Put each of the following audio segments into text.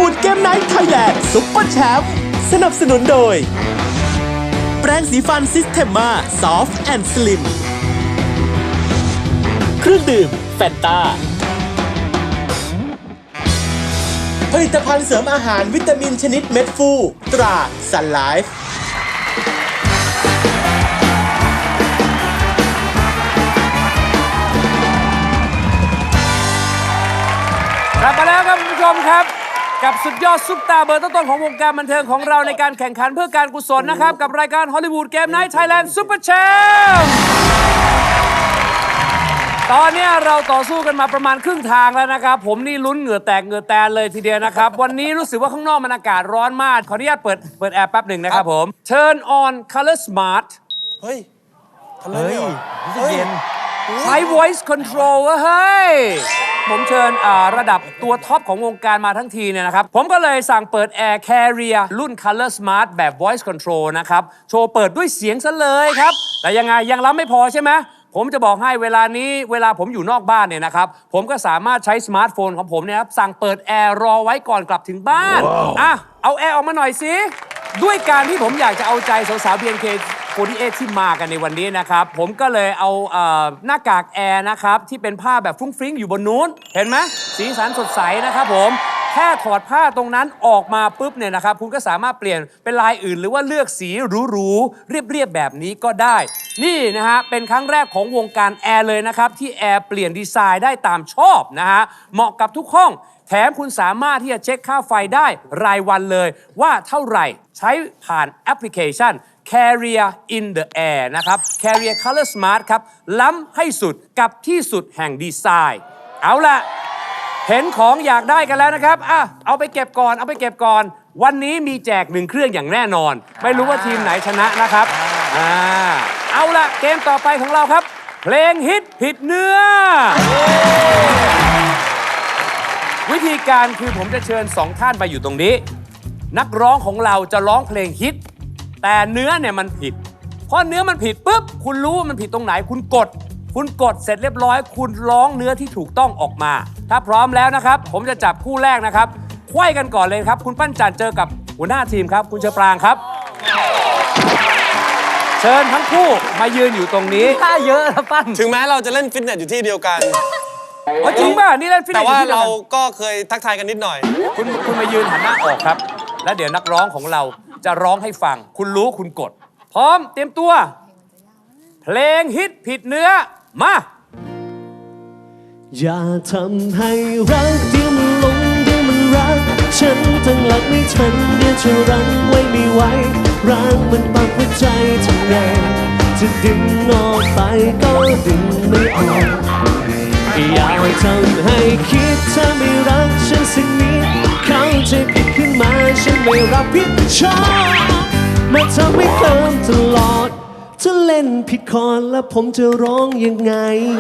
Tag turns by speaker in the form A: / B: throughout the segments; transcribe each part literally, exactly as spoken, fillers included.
A: วูดเกมไนท์ไทยแลนด์ซุปเปอร์แชมป์สนับสนุนโดยแปรงสีฟันซิสเทมมาซอฟต์แอนด์สลิมเครื่องดื่มแฟนตาผลิตภัณฑ์เสริมอาหารวิตามินชนิดเม็ดฟูตราซันไลฟ์
B: กลับมาแล้วครับคุณผู้ชมครับกับสุดยอดซุปตาเบอร์ต้นๆของวงการบันเทิงของเราในการแข่งขันเพื่อการกุศลนะครับกับรายการฮอลลีวูดเกมไนท์ไทยแลนด์ซุปเปอร์แชมป์ตอนนี้เราต่อสู้กันมาประมาณครึ่งทางแล้วนะครับผมนี่ลุ้นเหงื่อแตกเหงื่อแตนเลยทีเดียวนะครับวันนี้รู้สึกว่าข้างนอกมันอากาศร้อนมากขออนุญาตเปิดเปิดแอร์แป๊บหนึ่งนะครับผม Turn on Color Smart
C: เฮ้ยทำไมไม่ออก
B: รู้สึกเย็นใช้ voice control เว้ยเฮ้ยผมเชิญระดับตัวท็อปของวงการมาทั้งทีเนี่ยนะครับผมก็เลยสั่งเปิด Air Carrier รุ่น Color Smart แบบ voice control นะครับโชว์เปิดด้วยเสียงซะเลยครับแต่ยังไงยังรับไม่พอใช่ไหมผมจะบอกให้เวลานี้เวลาผมอยู่นอกบ้านเนี่ยนะครับผมก็สามารถใช้สมาร์ทโฟนของผมเนี่ยครับสั่งเปิดแอร์รอไว้ก่อนกลับถึงบ้าน wow. อ่ะเอาแอร์ออกมาหน่อยสิด้วยการที่ผมอยากจะเอาใจสาวๆ บี เอ็น เค สี่สิบแปด ที่มากันในวันนี้นะครับผมก็เลยเอาเอ่อหน้ากากแอร์นะครับที่เป็นผ้าแบบฟรุ้งฟริ้งอยู่บนนู้นเห็นไหมสีสันสดใสนะครับผมแค่ถอดผ้าตรงนั้นออกมาปุ๊บเนี่ยนะครับคุณก็สามารถเปลี่ยนเป็นลายอื่นหรือว่าเลือกสีหรูๆเรียบๆแบบนี้ก็ได้นี่นะฮะเป็นครั้งแรกของวงการแอร์เลยนะครับที่แอร์เปลี่ยนดีไซน์ได้ตามชอบนะฮะเหมาะกับทุกห้องแถมคุณสามารถที่จะเช็คค่าไฟได้รายวันเลยว่าเท่าไหร่ใช้ผ่านแอปพลิเคชัน Carrier in the Air นะครับ Carrier Color Smart ครับล้ำให้สุดกับที่สุดแห่งดีไซน์เอาล่ะเห็นของอยากได้กันแล้วนะครับอ่ะเอาไปเก็บก่อนเอาไปเก็บก่อนวันนี้มีแจกหนึ่งเครื่องอย่างแน่นอนไม่รู้ว่าทีมไหนชนะนะครับอ่าเอาล่ะเกมต่อไปของเราครับเพลงฮิตผิดเนื้อวิธีการคือผมจะเชิญสองท่านไปอยู่ตรงนี้นักร้องของเราจะร้องเพลงฮิตแต่เนื้อเนี่ยมันผิดพอเนื้อมันผิดปุ๊บคุณรู้ว่ามันผิดตรงไหนคุณกดคุณกดเสร็จเรียบร้อยคุณร้องเนื้อที่ถูกต้องออกมาถ้าพร้อมแล้วนะครับผมจะจับคู่แรกนะครับไขว้กันก่อนเลยครับคุณปั้นจันเจอกับหัวหน้าทีมครับคุณเชอปรางครับเชิญทั้งคู่มายืนอยู่ตรงนี้ท่าเยอะนะปั้น
C: ถึงแม้เราจะเล่นฟิตเนสอยู่ที่เดียวกัน
B: ว่าจริงป่ะนี่เล่นฟิตเนส
C: แต่ว่าเราก็เคยทักทายกันนิดหน่อย
B: คุณคุณมายืนหันหน้าออกครับแล้วเดี๋ยวนักร้องของเราจะร้องให้ฟังคุณรู้คุณกดพร้อมเตรียมตัวเพลงฮิตผิดเนื้อมา
A: อย่าทำให้รักเดี๋ยวมันหลงเดี๋ยวมันรักฉันตั้งหลักไม่ทันเดี๋ยวจะรั้งไว้ไม่ไหวรักมันปักหัวใจทำไงจะดึงออกไปก็ดึงไม่ออกอย่าทำให้คิดเธอไม่รักฉันสักนิดเข้าใจผิดขึ้นมาฉันไม่รับผิดชอบมาทำให้เคิมตลอดจะเล่นผิดคอร์ดแล้วผมจะร้องยังไง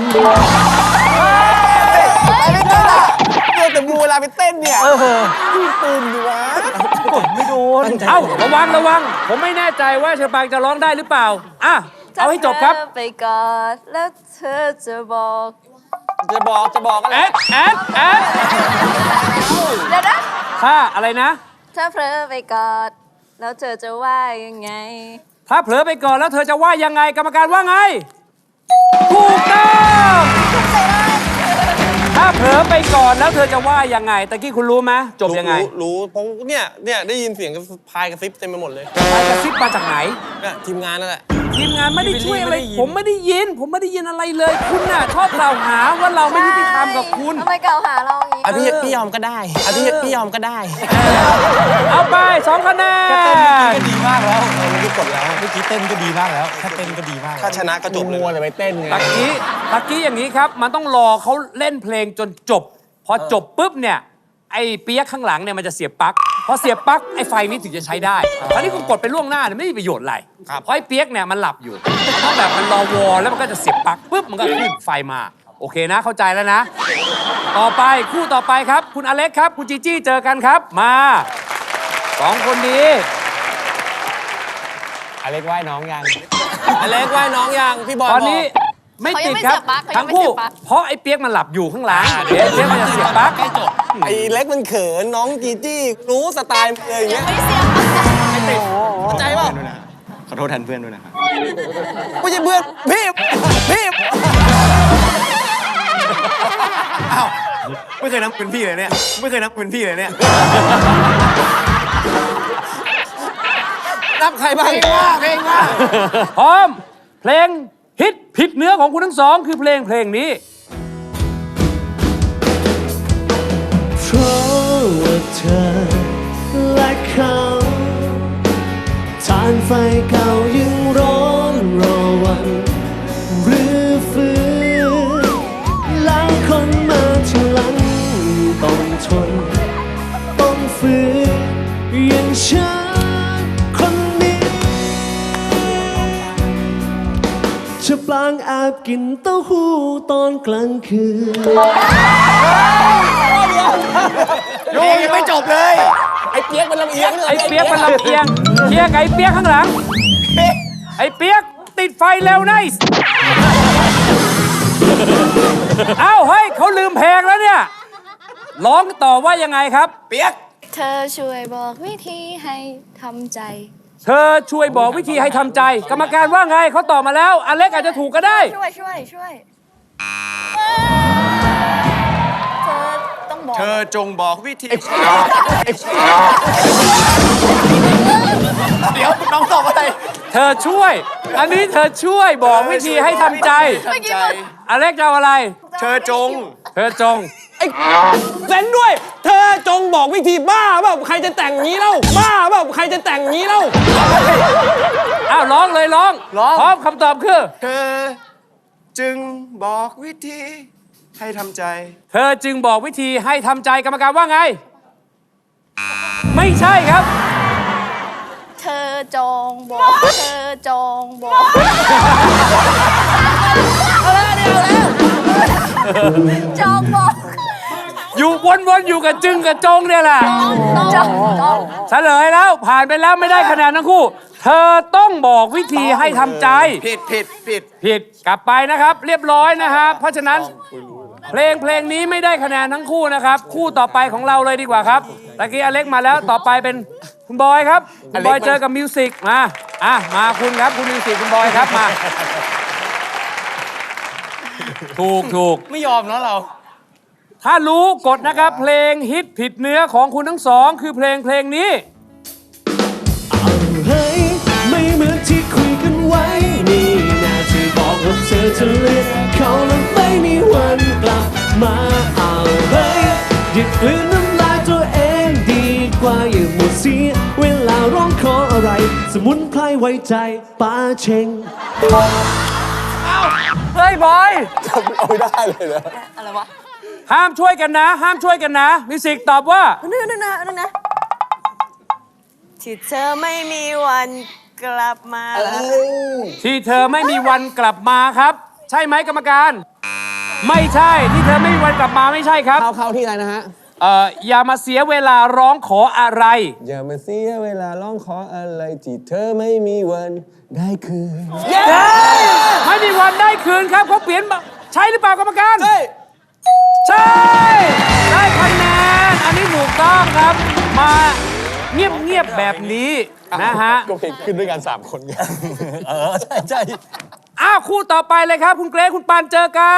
C: แต่มูเวลาไปเต้นเนี่ยตื่นอยู่วะ
B: กดไม่โดนเอ้าระวังระวังผมไม่แน่ใจว่าเชอปางจะร้องได้หรือเปล่าอ่ะเอาให้จบครับ
D: ไปกอดแล้วเธอจะบอก
C: จะบอกจะบอกอะไร
B: แอดแอดแอด
D: เดี๋ยวนะ
B: ถ้าอะไรนะ
D: ถ้าเผลอไปกอดแล้วเธอจะว่ายังไง
B: ถ้าเผลอไปก่อนแล้วเธอจะว่ายังไงกรรมการว่าไงถูกต้องถ้าเผลอไปก่อนแล้วเธอจะว่ายังไงตะกี้คุณรู้ไหมจบยังไง
C: รู้เพราะเนี่ยเนี่ยได้ยินเสียงพายกระซิบเต็มไปหมดเลย
B: พายกระซิบมาจากไหน
C: เนี่ยทีมงานนั่นแหละ
B: ทีมงานไม่ได้ช่วยอะไรผมไม่ได้ยินผมไม่ได้ยินอะไรเลยคุณน่ะชอบกล่าวหาว่าเราไม่ยุติธรรมกับคุณ
D: ทำไมกล่าวหาเราอย่างนี้
C: อ่ะพี่พี่ยอมก็ได้อ่ะพี่พี่ยอมก็ได้
B: เอาไปสองคะแนน
E: ก็ดีมากแล้วเมื่อกี้กดแล้วเมื่อกี้เต้นก็ดีมากแล้วถ้าเต้นก็ดีมาก
C: ถ้าชนะก็จบเลย
E: มัวแต่ไปเต้นไง
B: ตะกี้ตะกี้อย่างนี้ครับมันต้องรอเขาเล่นเพลงจนจบพอจบปุ๊บเนี่ยไอ้เปี๊ยกข้างหลังเนี่ยมันจะเสียบปลั๊กพอเสียบปลั๊กไอ้ไฟนี้ถึงจะใช้ได้คราวนี้คุณกดไปล่วงหน้าเนี่ยไม่มีประโยชน์อะไรเพราะไอ้เปี๊ยกเนี่ยมันหลับอยู่มันต้องแบบมันรอวอแล้วมันก็จะเสียบปลั๊กปุ๊บมันก็ขึ้นไฟมาโอเคนะเข้าใจแล้วนะต่อไปคู่ต่อไปครับคุณอเล็กครับคุณจีจี้เจอกันครับมาสองคนดี
E: อเล็กว่ายน้องยัง
C: อเล็กว่ายน้องยังพี่บอย
B: ตอนนี้ไม่
D: เขายั
B: ติ
D: ง
B: ด
D: ไม่
B: ครั
D: เสี
B: บ
D: ยบปลั๊กเขายั
B: ทั้
D: ง
B: ง
D: ไม่
B: คู่
D: เสียบปลั๊ก
B: เพราะไอ้เปียกมันหลับอยู่ข้างหลังเดี๋ยวไอ้เปียกมันจะเสียบปลั๊ก
E: ใกล้จบ
C: ไอ้เล็กมันเขินน้องจีจี้รู้สไตล์เลยอย่าง
D: ยั
C: เงี้
D: ง
C: ย
D: ไม่เสียบปลั๊ก
C: เข้าใจป่ะ
E: ขอโทษแทนเพื่อนด้วยนะครับ
C: ไม่ใช่เพื่อนพี่พี่
E: อ้าวไม่เคยนับเป็นพี่เลยเนี่ยไม่เคยนับเป็นพี่เลยเนี่ย
C: นับใครบ้าง
E: เพลงว่า
B: พร้อม เพลงฮิตผิดเนื้อของคุณทั้งสองคือเพลงเพลงนี้
A: เพราะว่าเธอและเขาทานไฟเก่ายังร้อนรอวันหรือฟื้นแล้วคนมาทีหลังต้องทนต้องฝืนอย่างฉันคนนี้จะปลางอาบกินเต้าหู้ตอนกลางคืน
E: เพลงยังไม่จบเลย
C: ไอ้เปียกมันลำเอียง
B: ไอ้เปียกมันลำเอียงเคลียร์กับไอ้เปียกข้างหลัง ไอ้เปียกติดไฟเร็วไนส์เอ้าเฮ้ยเขาลืมเพลงแล้วเนี่ย ร้องต่อว่ายังไงครับ
E: เปียก
D: เธอช่วยบอกวิธีให้ทำใจ
B: เธอช่วยบอกวิธีให้ทำใจ กรรมการว่าไงเขาตอบมาแล้วอเล็กอาจจะถูกก็ได้
D: ช่วยช่วยช่วยเธอต้องบอก
E: เธอจงบอกวิธีเดี๋ยวน้องตอบอะไร
B: เธอช่วย อันนี้เธอช่วยบอกวิธีให้ทำใจ
E: ใจ
B: อเล็กจะเอาอะไร
E: เธอจง
B: เธอจง
C: ไอ้เซนด้วย เธอจงบอกวิธีบ้าแบบใครจะแต่งงี้เล่าบ้าแบบใครจะแต่งงี้เล่า
B: อ้าวร้องเลยร้อง
E: ร้อง
B: พร้อมคำตอบคือ
E: เธอจึงบอกวิธีให้ทำใจ
B: เธอจึงบอกวิธีให้ทำใจกรรมการว่าไง ไม่ใช่ครับ
D: เธอจงบอกเธอจงบอกเอาแล้วเดี๋ยวแล้วจงบอก
B: อยู่วนๆอยู่กับจึงกับจงเนี่ยแหละ
D: จงจง
B: เฉลยแล้วผ่านไปแล้วไม่ได้คะแนนทั้งคู่ เธอต้องบอกวิธีให้ทำใจ
E: ผิดผิดผิด
B: ผิดกลับไปนะครับ เรียบร้อยนะครับ เพราะฉะนั้น เพลงเพลงนี้ไม่ได้คะแนนทั้งคู่นะครับ คู่ต่อไปของเราเลยดีกว่าครับตะกี้อเล็กมาแล้วต่อไปเป็นคุณบอยครับคุณบอยเจอกับมิวสิกมาอ่ะมาคุณครับคุณมิวสิกคุณบอยครับมา ถูกถูก
E: ไม่ยอมแล้วเรา
B: ถ้ารู้กดนะครับ เพลงฮิตผิดเนื้อของคุณทั้งสอง คือเพลงเพลงนี้
A: เฮ้ยไม่เหมือนที่คุยกันไว้ นี่นาที่บอกว่าเธอจะเลือกเขาแล้วไม่มีวันกลับมาเอาเฮ้ยหยุดกลืนน้ำลายตัวเองดีกว่าอย่าหมดเสียเวลาร้องขออะไร สมุนไพรไว้ใจป้าเชง
B: เฮ้ยบอย
C: เอาไม่ได้เลยเหรอ
D: อะไรวะ
B: ห้ามช่วยกันนะ ห้ามช่วยกันนะมิวสิกตอบว่า
D: นึกนึกนะนึกนะที่เธอไม่มีวันกลับมา
B: ที่เธอไม่มีวันกลับมาครับ ใช่ไหมกรรมการ ไม่ใช่ที่เธอไม่มีวันกลับมาไม่ใช่ครับ
C: เข้าเข้าที่อะไรนะฮะ
B: เอ่ออย่ามาเสียเวลาร้องขออะไร
C: อย่ามาเสียเวลาร้องขออะไรที่เธอไม่มีวันได้คืน
B: ไม่มีวันได้คืนครับเขาเปลี่ยนมาใช่หรือเปล่ากรรมการ
C: ใช่
B: ใช่ ได้คะแนนอันนี้ถูกต้องครับ มาเงียบๆแบบนี้นะฮะ
C: ก็เพลงขึ้นด้วยกันสามคนไง
E: เออ ใช่ใช่
B: อ้าวคู่ต่อไปเลยครับ คุณเกรซคุณปานเจอกัน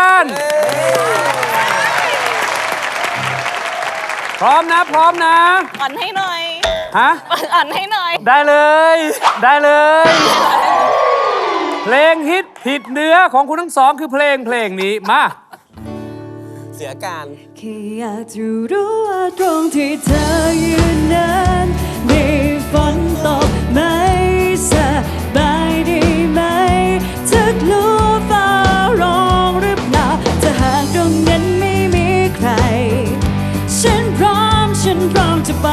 B: พร้อมนะพร้อมนะ
D: อ่อนให้หน่อย
B: ฮะ
D: อ่อนให้หน่อย
B: ได้เลย ได้เลย เพลงฮิตผิดเนื้อของคุณทั้งสองคือเพลงเพลงนี้มา
C: เสียการ
F: แค่อยากจะรู้ว่าตรงที่เธอยืนนั้นมีฝนตกไหมสบายดีไหมเธอกลัวฟ้าร้องหรือเปล่าถ้าหากตรงนั้นไม่มีใคร ฉันพร้อมฉันพร้อมจะไป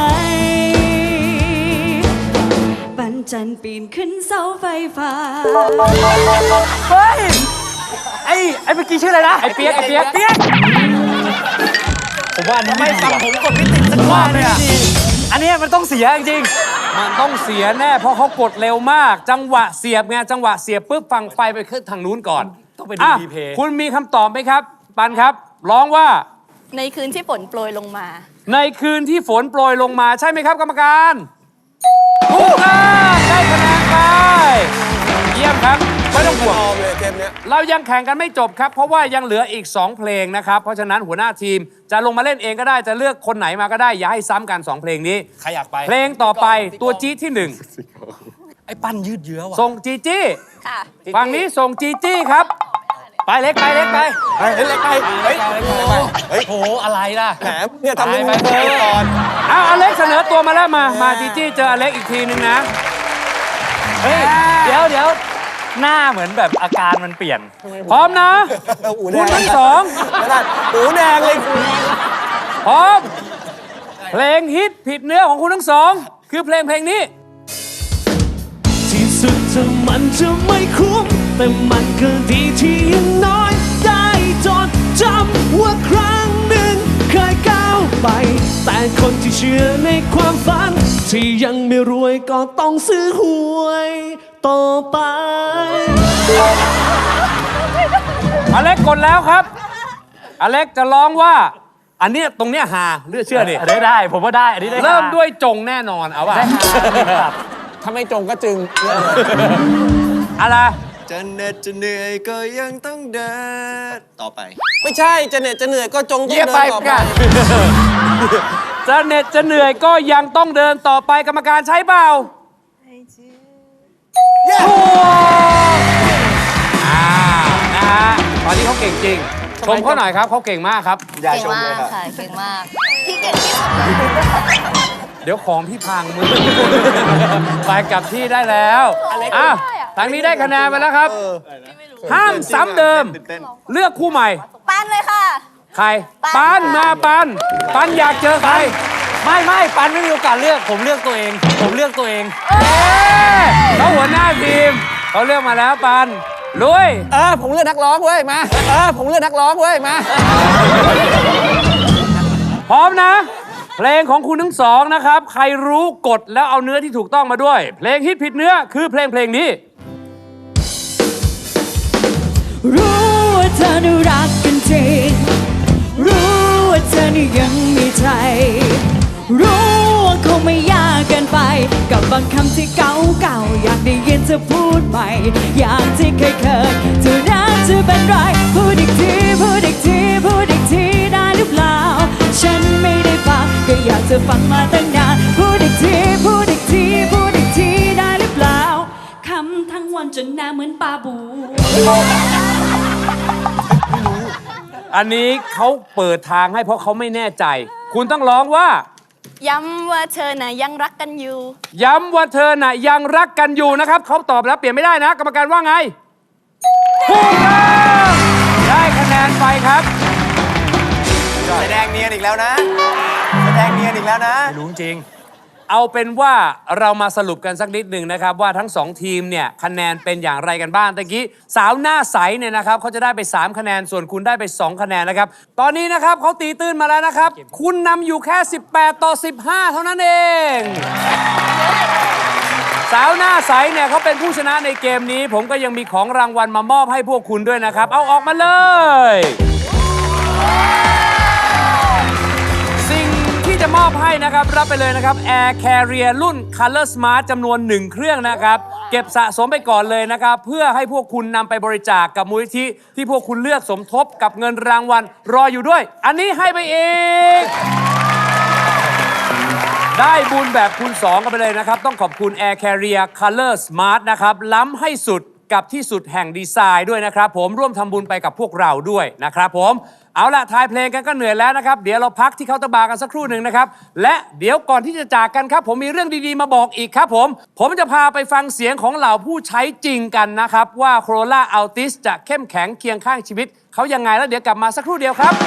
F: ปันจันทร์ปีนขึ้นเสาไฟฟ้า
B: เฮ้ย ไอ้ไอ้เมื่อกี้ชื่ออะไรนะ ไอ้เปียกไอ้เปียกเปียก
E: ผมว่าอันนี้ไม่ฟังผมกดไม่ติดสักข้อเลยอะ
B: อันนี้มันต้องเสียจริงๆมันต้องเสียแน่เพราะเขากดเร็วมาก จังหวะเสียบไงจังหวะเสียบปุ๊บฟังไฟไปขึ้นทางนู้นก่อน
E: ต้องไปดู
B: อ่ะ
E: รีเพย์
B: คุณมีคำตอบไหมครับ ปันครับ ร้องว่า
D: ในคืนที่ฝนโปรยลงมา
B: ในคืนที่ฝนโปรยลงมาใช่ไหมครับกรรมการถูกต้องได้คะแนนไปเยี่ยมครับไม่ต้องห่วง
C: เลยเกมเนี้ย
B: เรายังแข่งกันไม่จบครับ เพราะว่ายังเหลืออีก สอง เพลงนะครับ เพราะฉะนั้นหัวหน้าทีมจะลงมาเล่นเองก็ได้จะเลือกคนไหนมาก็ได้ อย่าให้ซ้ำกัน สอง เพลงนี้
E: ใครอยากไป
B: เพลงต่อไปตัวจี๊ดที่หนึ่ง
E: ไอ้ปั้นยืดเยื้อว่ะ
B: ส่งจีจี้
D: ค่ะ
B: ฝั่งนี้ส่งจีจี้ครับ ไปเล็กไปเล็กไป
C: เฮ้ยเล็กไปเฮ้ย
E: เฮ้ยโหอะไรล่ะ
C: แหมเนี่ยทำเป็น
E: ไป
C: มือ
E: ไป
C: ไปก่อน
B: เอาอเล็กเสนอตัวมาแล้วมา มาจีจี้เจออเล็กอีกทีนึงนะ
E: เฮ้ยเดี๋ยวเดี๋ยวหน้าเหมือนแบบอาการมันเปลี่ยน
B: พร้อมนะ
C: อูแด
B: คุณ
C: ง
B: ทั้งสอง
C: ไม่ได้อูแดงเลย
B: พร้อม เพลงฮิตผิดเนื้อของคุณทั้งสอง คือเพลงเพลงนี้
A: ที่สุดถึงมันจะไม่คุ้มแต่มันก็ดีที่อยังน้อยได้จดจำว่าครั้งหนึ่งเคยก้าวไป แต่คนที่เชื่อในความฝัน ที่ยังไม่รวยก็ต้องซื้อหวยต่อไป
B: อเล็กกดแล้วครับ อเล็กจะร้องว่า อันเนี้ยตรงเนี้ยหาเลือกเชื่อดิ
E: อันนี้ได้ ผมว่าได้ อันนี้ได้
B: เริ่มด้วยจงแน่นอนเอาว่า
C: ถ้าไม่จงก็จึง
B: อะไร
G: จะเหน็ดจะเหนื่อยก็ยังต้องเดินต่อไป
C: ไม่ใช่จะเหน็ดจะเหนื่อยก็จงต้อง
B: เยี่ย
C: เดิ
B: ไป
C: นต่อไป
B: กันจะเหน็ดจะเหนื่อยก็ยังต้องเดินต่อไปกรรมการใช้เปล่าถูกอ่านะฮะตอนนี้เขาเก่งจริงชมเขาหน่อยครับเขาเก่งมากครับ
G: อย่า
D: เก่ง
G: ชม
D: มา
G: เลย
D: ก
G: ครับ
D: ค่ะ เก่งมาก พี่เก่งที่สุด
B: เดี๋ยวของพี่พังมือ ไปกลับที่ได้แล้วอ่ะทางนี้ได้คะแนนไปแล้วครับ ห้ามซ้ำเดิม เลือกคู่ใหม่
D: ปันเลยค่ะ
B: ใคร
D: ปั
B: ปัน
D: น
B: มาปัน ปันอยากเจอใคร
E: ไม่ไม่ปันไม่มีโอกาสเลือก ผมเลือกตัวเอง ผมเลือกตัวเอง
B: เอ๊ะเขาหัวหน้าทีมเขาเลือกมาแล้วปันลุย
C: เออผมเลือกนักร้องเว้ยมาเออผมเลือกนักร้องเว้ยมา
B: พร้อมนะ เพลงของคุณทั้งสองนะครับ ใครรู้กดแล้วเอาเนื้อที่ถูกต้องมาด้วย เพลงฮิตผิดเนื้อคือเพลงเพลงนี้
F: รู้ว่าเธอน่ารักกันจริง รู้ว่าเธอนี่ยังมีใจ รู้ว่าคงไม่ยากเกินไป กับบางคำที่เก่าๆอยากได้ยินเธอพูดใหม่ อย่างที่เคยเคยเธอรักจะเป็นไร พูดอีกทีพูดอีกทีพูดอีกทีได้หรือเปล่า ฉันไม่ได้ฟังก็อยากจะฟังมาตั้งนาน พูดอีกทีพูดอีกทีพูดอีกทีได้หรือเปล่าคำทั้งวันจนหน้าเหมือนปลาบู
B: อันนี้เขาเปิดทางให้เพราะเขาไม่แน่ใจ คุณต้องร้องว่า
D: ย้ำว่าเธอน่ะยังรักกันอยู่
B: ย้ำว่าเธอน่ะยังรักกันอยู่นะครับเขาตอบแล้วเปลี่ยนไม่ได้นะ กรรมการว่าไงถูกต้องได้คะแนนไปครับ
G: แสดงเนียนอีกแล้วนะ แสดงเนียนอีกแล้วนะ
E: รู้จริง
B: เอาเป็นว่าเรามาสรุปกันสักนิดหนึ่งนะครับ ว่าทั้งสองทีมเนี่ยคะแนนเป็นอย่างไรกันบ้างตะกี้สาวหน้าใสเนี่ยนะครับเขาจะได้ไปสามคะแนนส่วนคุณได้ไปสองคะแนนนะครับตอนนี้นะครับเขาตีตื้นมาแล้วนะครับ คุณนำอยู่แค่สิบแปดต่อสิบห้าเท่านั้นเอง สาวหน้าใสเนี่ยเขาเป็นผู้ชนะในเกมนี้ ผมก็ยังมีของรางวัลมามอบให้พวกคุณด้วยนะครับ เอาออกมาเลยสิ่งที่จะมอบให้นะครับ รับไปเลยนะครับ Air Carrier รุ่น Color Smart จำนวนหนึ่งเครื่องนะครับ เก็บสะสมไปก่อนเลยนะครับ เพื่อให้พวกคุณนำไปบริจาค กับมูลนิธิที่พวกคุณเลือกสมทบกับเงินรางวัลรออยู่ด้วย อันนี้ให้ไปอีก ได้บุญแบบคูณสองกันไปเลยนะครับ ต้องขอบคุณ Air Carrier Color Smart นะครับ ล้ำให้สุดกับที่สุดแห่งดีไซน์ด้วยนะครับผมร่วมทำบุญไปกับพวกเราด้วยนะครับผมเอาล่ะทายเพลงกันก็เหนื่อยแล้วนะครับ เดี๋ยวเราพักที่เคาน์เตอร์บาร์กันสักครู่หนึ่งนะครับ และเดี๋ยวก่อนที่จะจากกันครับ ผมมีเรื่องดีๆมาบอกอีกครับผม ผมจะพาไปฟังเสียงของเหล่าผู้ใช้จริงกันนะครับ ว่า Corolla Altis จะเข้มแข็งเคียงข้างชีวิตเขายังไงแล้วเดี๋ยวกลับมาสักครู่เดียวครับ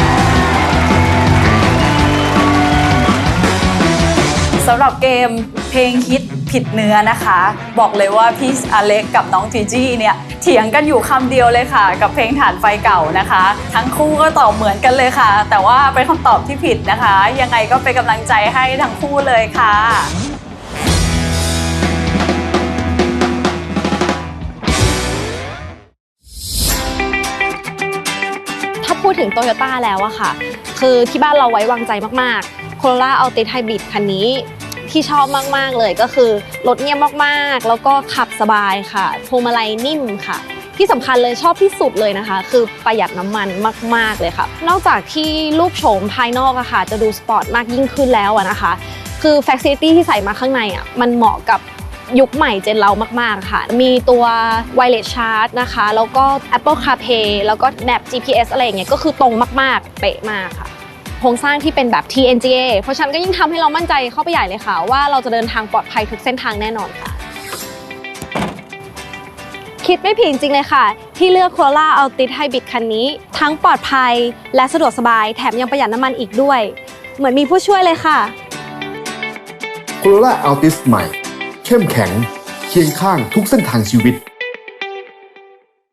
H: สำหรับเกมเพลงฮิตผิดเนื้อนะคะ บอกเลยว่าพี่อเล็กกับน้องจีจี้เนี่ยเถียงกันอยู่คำเดียวเลยค่ะ กับเพลงฐานไฟเก่านะคะ ทั้งคู่ก็ตอบเหมือนกันเลยค่ะ แต่ว่าเป็นคำตอบที่ผิดนะคะ ยังไงก็เป็นกำลังใจให้ทั้งคู่เลยค่ะ
I: ถ้าพูดถึงโตโยต้าแล้วอะค่ะคือที่บ้านเราไว้วางใจมากๆ Corolla Altis Hybrid คันนี้ที่ชอบมากๆเลยก็คือรถเงียบมากๆแล้วก็ขับสบายค่ะพวงมาลัยนิ่มค่ะที่สำคัญเลยชอบที่สุดเลยนะคะคือประหยัดน้ำมันมากๆเลยค่ะนอกจากที่รูปโฉมภายนอกอะค่ะจะดูสปอร์ตมากยิ่งขึ้นแล้วอะนะคะคือ Facility ที่ใส่มาข้างในอะมันเหมาะกับยุคใหม่เจนเรามากๆค่ะมีตัว Wireless Charge นะคะแล้วก็ Apple CarPlay แล้วก็ Map จี พี เอส อะไรอย่างเงี้ยก็คือตรงมากๆเป๊ะมากค่ะโครงสร้างที่เป็นแบบ ที เอ็น จี เอ เพราะฉะนั้นก็ยิ่งทำให้เรามั่นใจเข้าไปใหญ่เลยค่ะว่าเราจะเดินทางปลอดภัยทุกเส้นทางแน่นอนค่ะคิดไม่ผิดจริงๆเลยค่ะที่เลือก Corolla Altis Hybrid คันนี้ทั้งปลอดภัยและสะดวกสบายแถมยังประหยัดน้ำมันอีกด้วยเหมือนมีผู้ช่วยเลยค่ะ
J: Corolla Altis ใหม่เข้มแข็งเคียงข้างทุกเส้นทางชีวิต